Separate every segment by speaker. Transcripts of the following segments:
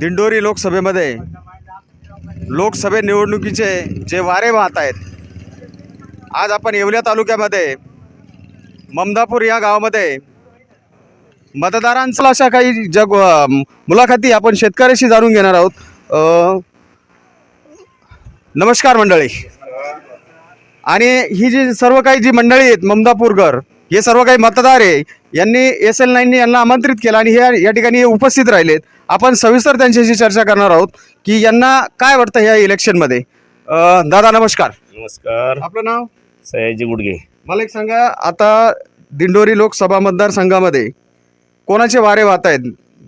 Speaker 1: दिंडोरी लोकसभेमध्ये लोकसभे निवडणुकीचे जे वारे वाहत आहेत, आज आपण येवला तालुक्यामध्ये ममदापूर या गावामध्ये मतदारांचा अशा काही मुलाखती आपण शेतकऱ्याशी जाणून घेणार आहोत. नमस्कार मंडळी. आणि ही जी सर्व काही जी मंडळी आहेत ममदापूरकर, हे सर्व काही मतदार आहे, यांनी SL9 यांना आमंत्रित केलं आणि हे या ठिकाणी उपस्थित राहिलेत. आपण सविस्तर त्यांच्याशी चर्चा करणार आहोत की यांना काय वाटतं ह्या इलेक्शनमध्ये. दादा नमस्कार.
Speaker 2: नमस्कार.
Speaker 1: आपलं नाव?
Speaker 2: सयाजी गुडगे.
Speaker 1: मला एक सांगा, आता दिंडोरी लोकसभा मतदारसंघामध्ये कोणाचे वारे वाहत आहेत?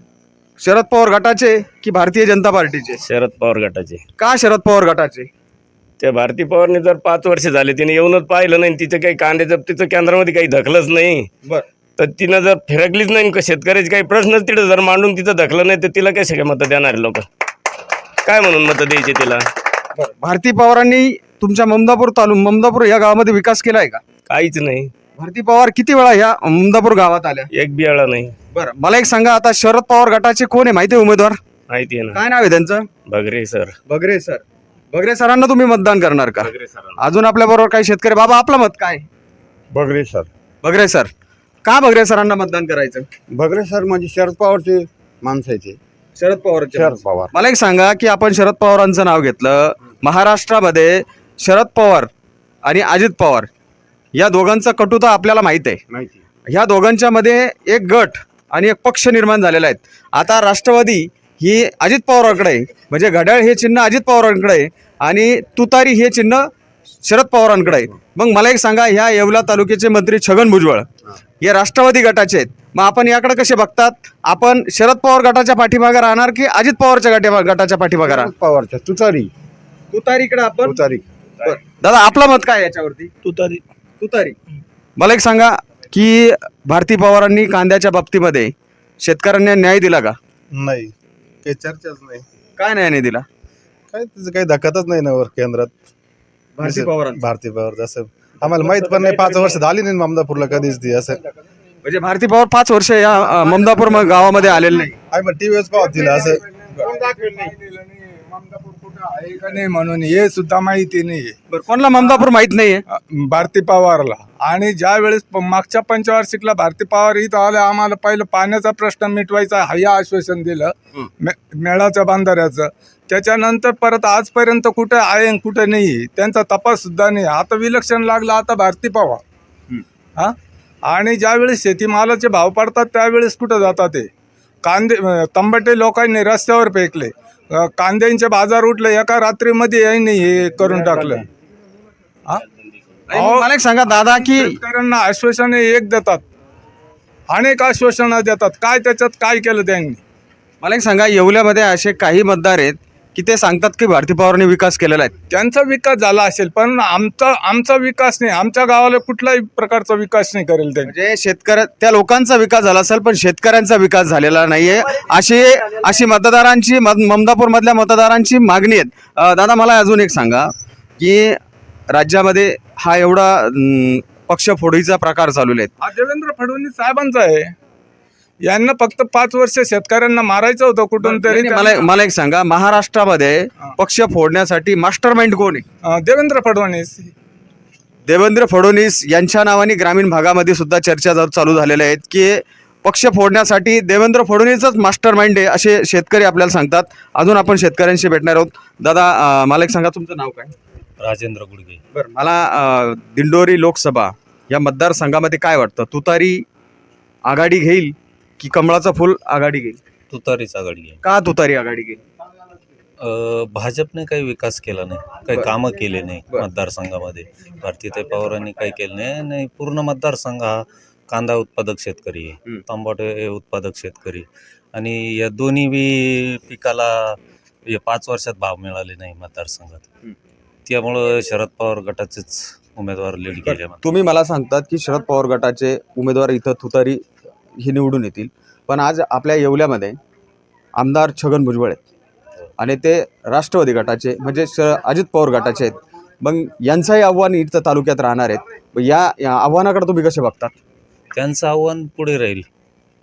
Speaker 1: शरद पवार गटाचे की भारतीय जनता पार्टीचे?
Speaker 2: शरद पवार गटाचे.
Speaker 1: का शरद पवार गटाचे?
Speaker 2: त्या भारती पवारने जर 5 वर्ष झाले तिने येऊनच पाहिलं नाही, तिचं काही कांद्या जप्तीचं केंद्रामध्ये काही धकलंच नाही, तर तिनं जर फिरकलीच नाही, शेतकऱ्याचे काही प्रश्नच तिथं जर मांडून तिथं धकलं नाही, तर तिला कसे काय मतं देणार लोक? काय म्हणून मतं द्यायचे तिला?
Speaker 1: भारती पवारांनी तुमच्या ममदापूर या गावामध्ये विकास केला आहे का?
Speaker 2: काहीच नाही.
Speaker 1: भारती पवार किती वेळा या ममदापूर गावात आल्या?
Speaker 2: एक बी वेळा नाही.
Speaker 1: बरं, मला एक सांगा, आता शरद पवार गटाचे कोण आहे माहिती आहे उमेदवार?
Speaker 2: माहिती आहे ना.
Speaker 1: काय नाव आहे त्यांचं?
Speaker 2: बगरे सर.
Speaker 1: बगरे सर. बगरे सरांना तुम्ही मतदान करणार का?
Speaker 2: बगरे सर.
Speaker 1: अजून आपल्या बरोबर काही शेतकरी. बाबा आपलं मत काय?
Speaker 3: बगरे सर.
Speaker 1: बगरे सर. का बगरे सरांना मतदान करायचं?
Speaker 3: बगरे सर म्हणजे शरद पवारचे माणसाचे.
Speaker 1: शरद पवार.
Speaker 3: शरद पवार.
Speaker 1: मला एक सांगा की आपण शरद पवारांचं नाव घेतलं, महाराष्ट्रामध्ये शरद पवार आणि अजित पवार या दोघांचा कटुता आपल्याला माहित आहे.
Speaker 3: माहिती.
Speaker 1: ह्या दोघांच्या मध्ये एक गट आणि एक पक्ष निर्माण झालेला आहे. आता राष्ट्रवादी ही अजित पवारांकडे आहे, म्हणजे घड्याळ हे चिन्ह अजित पवारांकडे आहे आणि तुतारी हे चिन्ह शरद पवारांकडे आहे. मग मला एक सांगा, ह्या येवला तालुक्याचे मंत्री छगन भुजबळ हे राष्ट्रवादी गटाचे आहेत, मग आपण याकडे कसे बघतात? आपण शरद पवार गटाच्या पाठीमागे राहणार की अजित पवारच्या गटाच्या पाठीमागे राहणार?
Speaker 3: पवारच्या तुतारी.
Speaker 1: तुतारीकडे आपण.
Speaker 3: तुतारी.
Speaker 1: दादा आपलं मत काय याच्यावरती?
Speaker 2: तुतारी.
Speaker 1: तुतारी. मला एक सांगा की भारती पवारांनी कांद्याच्या बाबतीमध्ये शेतकऱ्यांना न्याय दिला का?
Speaker 3: नाही, काही चर्चाच नाही.
Speaker 1: काय न्याय नाही दिला?
Speaker 3: काय त्याचं काही धक्कातच नाही ना वर केंद्रात.
Speaker 1: भारती पवार.
Speaker 3: भारती पवार जसं आम्हाला माहित पण नाही, 5 वर्ष झाली नाही ममदापूरला कधीच ती. असं
Speaker 1: म्हणजे भारती पवार 5 वर्ष या ममदापूर गावामध्ये आलेले नाही.
Speaker 3: आम्ही टीव्हीच पाहत तिला असं.
Speaker 4: आहे का नाही म्हणून हे सुद्धा माहिती नाही.
Speaker 1: बरं, कोणाला ममदापूर माहित नाहीये?
Speaker 4: भारती पवारला. आणि ज्या वेळेस मागच्या पंचवार्षिकला भारती पवार इथं आले, आम्हाला पहिलं पाण्याचा प्रश्न मिटवायचा हे आश्वासन दिलं, मेळाच्या बांधाऱ्याचं. त्याच्यानंतर परत आजपर्यंत कुठे आहे आणि कुठे नाही त्यांचा तपास सुद्धा नाही. आता विलक्षण लागलं आता भारती पवार. हा, आणि ज्यावेळेस शेतीमालाचे भाव पडतात त्यावेळेस कुठं जातात ते कांदे? तंबाटे लोकांनी रस्त्यावर फेकले, कांद्यांचे बाजार उठले, एका रात्रीमध्ये यांनी हे करून टाकलं.
Speaker 1: मला एक सांगा दादा की
Speaker 4: शेतकऱ्यांना आश्वासने एक देतात, अनेक आश्वासनं देतात, काय त्याच्यात काय केलं त्यांनी?
Speaker 1: मला एक सांगा, येवल्यामध्ये असे काही मतदार आहेत की ते सांगतात की भारती पवारांनी विकास केलेला आहे.
Speaker 4: त्यांचा विकास झाला असेल, पण आमचा विकास नाही. आमच्या गावाला कुठलाही प्रकारचा विकास नाही करेल त्यांनी.
Speaker 1: म्हणजे त्या लोकांचा विकास झाला असेल पण शेतकऱ्यांचा विकास झालेला नाहीये, अशी मतदारांची ममदापूर मधल्या मतदारांची मागणी आहे. दादा मला अजून एक सांगा की राज्यामध्ये हा एवढा पक्ष फोडीचा प्रकार चालू आहे,
Speaker 4: हा देवेंद्र फडणवीस साहेबांचा आहे. यांना फक्त 5 वर्ष शेतकऱ्यांना मारायचं होतं कुठून तरी.
Speaker 1: मला एक सांगा, महाराष्ट्रामध्ये पक्ष फोडण्यासाठी मास्टर माइंड कोण आहे?
Speaker 4: देवेंद्र फडणवीस.
Speaker 1: देवेंद्र फडणवीस यांच्या नावाने ग्रामीण भागामध्ये सुद्धा चर्चा चालू झालेल्या आहेत की पक्ष फोडण्यासाठी देवेंद्र फडणवीसच मास्टर माइंड आहे, असे शेतकरी आपल्याला सांगतात. अजून आपण शेतकऱ्यांशी भेटणार आहोत. दादा मला एक सांगा, तुमचं नाव काय?
Speaker 2: राजेंद्र गुडगे.
Speaker 1: बरं, मला दिंडोरी लोकसभा या मतदारसंघामध्ये काय वाटतं? तुतारी आघाडी घेईल की कमळाचं फुल आघाडी घेईल?
Speaker 5: तुतारीच आघाडी आहे.
Speaker 1: का तुतारी आघाडी घेईल?
Speaker 5: भाजपने काही विकास केला नाही, काही कामं केले नाही मतदारसंघामध्ये. भारतीताई पवारांनी काही केलं नाही. पूर्ण मतदारसंघ हा कांदा उत्पादक शेतकरी आहे, तंबाटे उत्पादक शेतकरी, आणि या दोन्ही बी पिकाला 5 वर्षात भाव मिळाले नाही मतदारसंघात. त्यामुळं शरद पवार गटाचेच उमेदवार लीड केले.
Speaker 1: तुम्ही मला सांगतात की शरद पवार गटाचे उमेदवार इथं तुतारी हे निवडून येतील, पण आज आपल्या येवल्यामध्ये आमदार छगन भुजबळ आहेत आणि ते राष्ट्रवादी गटाचे म्हणजे अजित पवार गटाचे आहेत. मग यांचंही आव्हान इथं तालुक्यात राहणार आहेत. या आव्हानाकडे तुम्ही कसे बघतात?
Speaker 5: त्यांचं आव्हान पुढे राहील.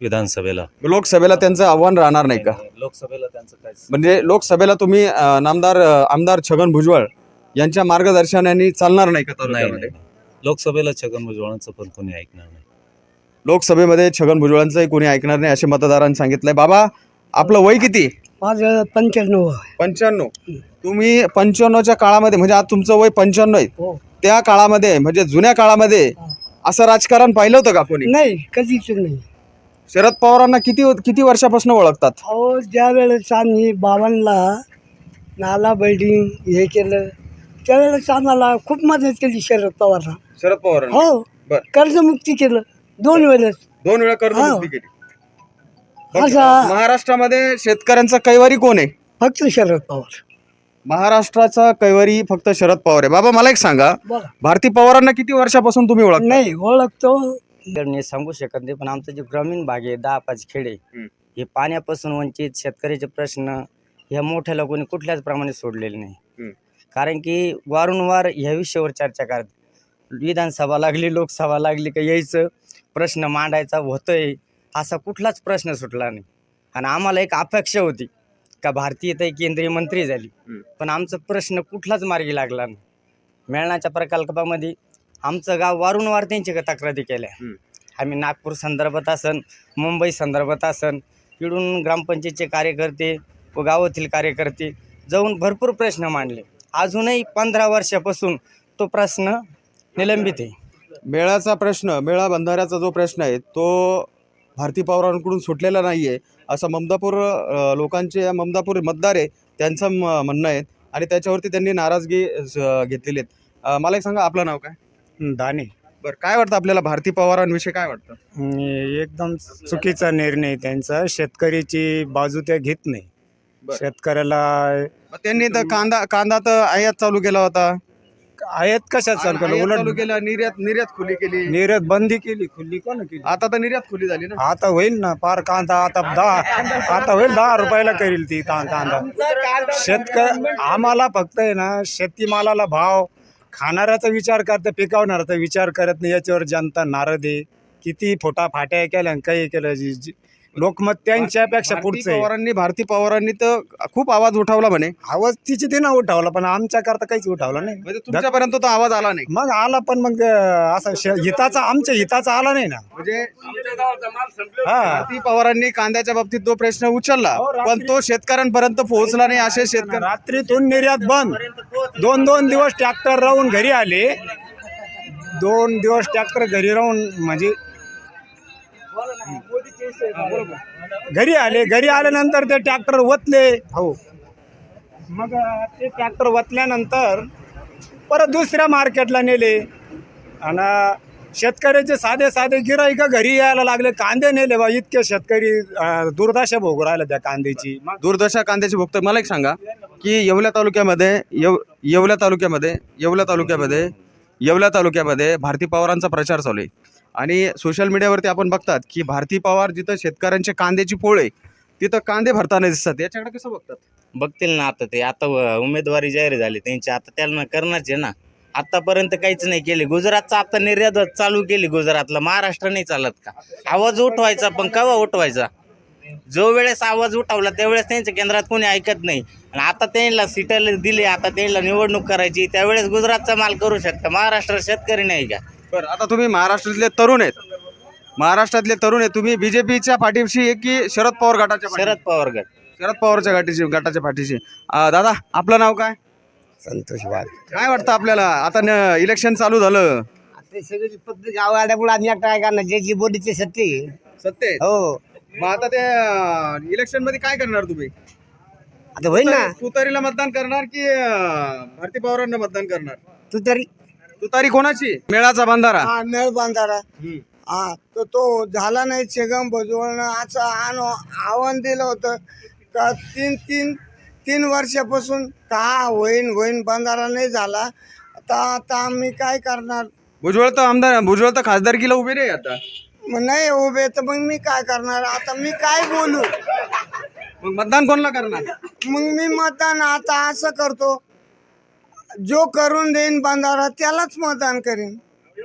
Speaker 5: विधानसभेला.
Speaker 1: लोकसभेला त्यांचं आव्हान राहणार नाही का?
Speaker 5: लोकसभेला त्यांचं काय
Speaker 1: म्हणजे लोकसभेला तुम्ही आमदार छगन भुजबळ यांच्या मार्गदर्शनाने चालणार नाही का
Speaker 5: नाही
Speaker 1: तालुक्यामध्ये?
Speaker 5: नाही. लोकसभेला छगन भुजबळांचं पण कोणी ऐकणार नाही.
Speaker 1: लोकसभेमध्ये छगन भुजबळांचंही कोणी ऐकणार नाही असे मतदारांनी सांगितलंय. बाबा, आपलं वय किती?
Speaker 6: माझं 95
Speaker 1: 55. तुम्ही 55च्या काळामध्ये, म्हणजे आज तुमचं वय 95 आहे,
Speaker 6: हो.
Speaker 1: त्या काळामध्ये म्हणजे जुन्या काळामध्ये असं राजकारण पाहिलं होतं का कोणी?
Speaker 6: नाही, कधीच नाही.
Speaker 1: शरद पवारांना किती वर्षापासून ओळखतात?
Speaker 6: अहो, ज्या वेळेस आम्ही बाबांना नाला बिल्डिंग हे केलं त्यावेळेस आम्हाला खूप मदत केली शरद पवारला.
Speaker 1: शरद पवार
Speaker 6: हो,
Speaker 1: बर.
Speaker 6: कर्जमुक्ती केलं 2 वेळेस.
Speaker 1: 2 वेळा कर्जमुक्ती केली. फक्त
Speaker 6: असा
Speaker 1: महाराष्ट्रामध्ये शेतकऱ्यांचा कैवारी कोण आहे?
Speaker 6: फक्त शरद पवार.
Speaker 1: महाराष्ट्राचा कैवारी फक्त शरद पवार आहे. बाबा, मला एक सांगा,
Speaker 6: बघा,
Speaker 1: भारती पवारांना किती वर्षापासून तुम्ही ओळखता?
Speaker 6: नाही ओळखतो.
Speaker 7: तर मी सांगू शकत नाही, पण आमचा जे ग्रामीण भाग आहे 10-5 खेडे हे पाण्यापासून वंचित शेतकऱ्याचे प्रश्न ह्या मोठ्याला कोणी कुठल्याच प्रमाणे सोडलेले नाही. कारण की वारंवार ह्या विषयावर चर्चा करत, विधानसभा लागली लोकसभा लागली का यायचं प्रश्न मांडायचा होतोय, असा कुठलाच प्रश्न सुटला नाही. आणि आम्हाला एक अपेक्षा होती का भारतीय ताई केंद्रीय मंत्री झाली, पण आमचा प्रश्न कुठलाच मार्गी लागला नाही. मेळणाच्या प्रकल्पामध्ये आमचं गाव वारंवार त्यांची तक्रारी केल्या. आम्ही नागपूर संदर्भात असन, मुंबई संदर्भात असन, इकडून ग्रामपंचायतचे कार्यकर्ते व गावातील कार्यकर्ते जाऊन भरपूर प्रश्न मांडले. अजूनही 15 वर्षापासून तो प्रश्न निलंबित आहे.
Speaker 1: मेळा बंधाऱ्याचा जो प्रश्न आहे तो भारती पवारांकडून सुटलेला नाही आहे असं ममदापूर ममदापूर मतदार आहे त्यांचं म्हणणं आहे आणि त्याच्यावरती त्यांनी नाराजगी घेतलेली आहे. मला एक सांगा, आपलं नाव काय?
Speaker 8: दाने.
Speaker 1: बरं, काय वाटतं आपल्याला भारती पवारांविषयी काय वाटतं?
Speaker 8: एकदम चुकीचा निर्णय त्यांचा. शेतकऱ्याची बाजू त्या घेत नाही.
Speaker 1: बरं.
Speaker 8: शेतकऱ्याला
Speaker 1: मग त्यांनी तर कांदा तर आयात चालू केला होता.
Speaker 8: आयात कशात चालू केलं?
Speaker 1: आयात चालू
Speaker 8: उलट
Speaker 1: केला, निर्यात खुली केली.
Speaker 8: निर्यात बंदी केली. खुल्ली कोण केली?
Speaker 1: आता तर निर्यात खुली झाली ना.
Speaker 8: आता होईल ना पार कांदा. आता होईल 10 रुपयाला करील ती कांदा. आम्हाला फक्त आहे ना शेतीमालाला भाव, खाणाऱ्याचा विचार करता, पिकवणाऱ्याचा विचार करत नाही. याच्यावर जनता नाराज आहे. किती फोटाफाट्या केल्या काही केलं, लोकमत त्यांच्यापेक्षा पुढचं आहे.
Speaker 1: भारती पवारांनी तर खूप आवाज उठवला म्हणे.
Speaker 8: आवाज तिची ते ना उठावला, पण आमच्या करता काहीच उठावला नाही.
Speaker 1: म्हणजे तुमच्यापर्यंत तो आवाज आला नाही.
Speaker 8: मग आला, पण मग असं आमच्या हिताचा आला नाही ना.
Speaker 1: म्हणजे
Speaker 8: हा,
Speaker 1: भारती पवारांनी कांद्याच्या बाबतीत तो प्रश्न उचलला, पण तो शेतकऱ्यांपर्यंत पोहोचला नाही. असे शेतकरी
Speaker 8: रात्रीतून निर्यात बंद. 2 दिवस ट्रॅक्टर राहून घरी आले. 2 दिवस ट्रॅक्टर घरी राहून म्हणजे घरी आल्यानंतर ते ट्रॅक्टर वतले. हो, मग ते ट्रॅक्टर वतल्यानंतर परत दुसऱ्या मार्केटला नेले आणि शेतकऱ्याचे साधे गिराईक घरी यायला लागले. कांदे नेले बा. इतके शेतकरी दुर्दशा भोगू राहिल्या त्या कांद्याची.
Speaker 1: दुर्दशा कांद्याची भोगत. मला एक सांगा की येवला तालुक्यामध्ये भारती पवारांचा प्रचार चालू आहे आणि सोशल मीडियावरती आपण बघतात की भारती पवार जिथं शेतकऱ्यांचे कांद्याची पोळ आहे तिथं कांदे भरताना दिसतात. याच्याकडे कसं बघतात?
Speaker 7: बघतील ना आता उमेदवारी जाहीर झाली त्यांची, आता त्यांना करणारच आहे ना. आतापर्यंत काहीच नाही केले. गुजरातचा आता निर्यात चालू केली गुजरातला. महाराष्ट्र नाही चालत का? आवाज उठवायचा, पण केव्हा उठवायचा? जो वेळेस आवाज उठवला त्यावेळेस त्यांच्या केंद्रात कोणी ऐकत नाही. आणि आता त्यांना सीटाला दिले, आता त्यांना निवडणूक करायची, त्यावेळेस गुजरातचा माल करू शकता. महाराष्ट्र शेतकरी नाही का?
Speaker 1: बरं, आता तुम्ही महाराष्ट्रातले तरुण आहेत, तुम्ही बीजेपीच्या पाठीशी आहे की शरद पवार गटाच्या
Speaker 7: शरद पवार गट.
Speaker 1: शरद पवारच्या गटाच्या पाठीशी? दादा, आपलं नाव काय?
Speaker 6: संतोष वाघ.
Speaker 1: काय वाटतं आपल्याला? आता इलेक्शन चालू झालं.
Speaker 6: सगळी फक्त गाव आल्यामुळे आम्ही काय करणार, जे जी बोलीचे सत्य. हो,
Speaker 1: मग आता ते इलेक्शन मध्ये काय करणार तुम्ही?
Speaker 6: आता होईल ना.
Speaker 1: तुतारीला मतदान करणार की भारती पवारांना मतदान करणार? तुतारी कोणाची? मेळाचा बंधारा.
Speaker 6: मेळ बांधारा. तो झाला नाही. छगन भुजबळनं असं आव्हान दिलं होतं का 3 वर्षापासून का होईन बंधारा नाही झाला. आता आम्ही काय करणार?
Speaker 1: भुजबळ तर खासदारकीला उभे नाही आता.
Speaker 6: मग नाही उभे तर मग मी काय करणार? आता मी काय बोलू?
Speaker 1: मग मतदान कोणाला करणार?
Speaker 6: मग मी मतदान आता असं करतो, जो करून देईन बंधारा त्यालाच मतदान करीन.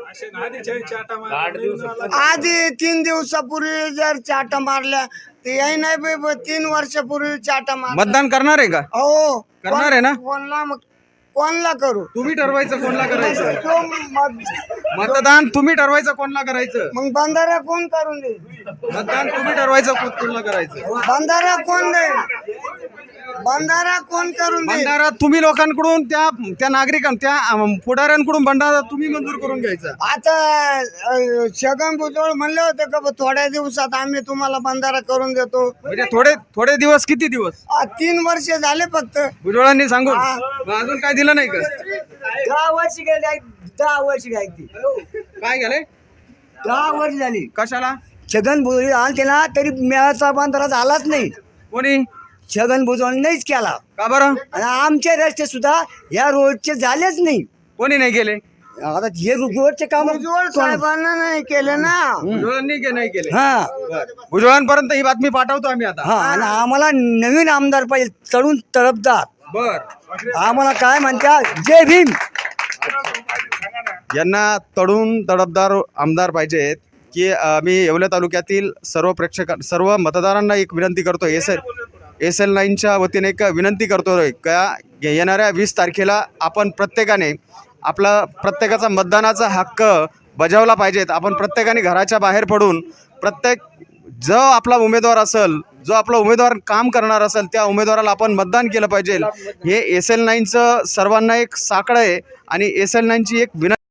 Speaker 6: आधी 3 दिवसापूर्वी जर चाटा मारल्या ते याही नाही बे 3 वर्षापूर्वी चाटा मार.
Speaker 1: मतदान करणार आहे का?
Speaker 6: हो
Speaker 1: करणार आहे ना?
Speaker 6: कोणला करू?
Speaker 1: तुम्ही ठरवायचं कोणला करायचं.
Speaker 6: तो
Speaker 1: मतदान तुम्ही ठरवायचं कोणला करायचं.
Speaker 6: मग बंधारा कोण करून दे?
Speaker 1: मतदान तुम्ही ठरवायचं कोणला करायचं.
Speaker 6: बंधारा कोण देईल? बंधारा कोण करून देईल?
Speaker 1: भंडारा तुम्ही लोकांकडून त्या नागरिकांना त्या पुढाऱ्यांकडून भंडारा तुम्ही मंजूर करून घ्यायचा.
Speaker 6: आता छगन भुजबळ म्हणले होते का बा, थोड्या दिवसात आम्ही तुम्हाला बंधारा करून देतो.
Speaker 1: म्हणजे थोडे दिवस, किती दिवस?
Speaker 6: 3 वर्ष झाले फक्त.
Speaker 1: भुजबळांनी सांगून मग अजून काय दिलं नाही का?
Speaker 6: 10 वर्ष गेले. 10 वर्ष गायची
Speaker 1: काय झाले?
Speaker 6: 10 वर्ष झाली.
Speaker 1: कशाला?
Speaker 6: छगन भुजबळ आलते ना तरी मेळाचा बंधारा झालाच नाही.
Speaker 1: कोणी?
Speaker 6: छगन भुजबळ नाहीच केला.
Speaker 1: का बरं?
Speaker 6: आणि आमचे रस्ते सुद्धा या रोडचे झालेच नाही.
Speaker 1: कोणी नाही केले?
Speaker 6: आता हे रोडचे काम साहेबांना नाही केले ना.
Speaker 1: भुजबळांनी नाही केले.
Speaker 6: हा
Speaker 1: भुजबळांपर्यंत ही बातमी पाठवतो आम्ही आता.
Speaker 6: हा आणि आम्हाला नवीन आमदार पाहिजे, तरुण तडफदार.
Speaker 1: बर.
Speaker 6: आम्हाला काय म्हणत्या, जय भीम.
Speaker 1: यांना तडून तडफदार आमदार पाहिजेत की मी येवला तालुक्यातील सर्व मतदारांना एक विनंती करतो. SL 9च्या वतीने एक विनंती करतोय का येणाऱ्या 20 तारखेला आपण प्रत्येकाने प्रत्येकाचा मतदानाचा हक्क बजावला पाहिजेत. आपण प्रत्येकाने घराच्या बाहेर पडून जो आपला उमेदवार असेल, जो आपला उमेदवार काम करणार असेल त्या उमेदवाराला आपण मतदान केलं पाहिजे. हे SL 9चं सर्वांना एक साकडं आहे आणि SL 9ची एक विनंती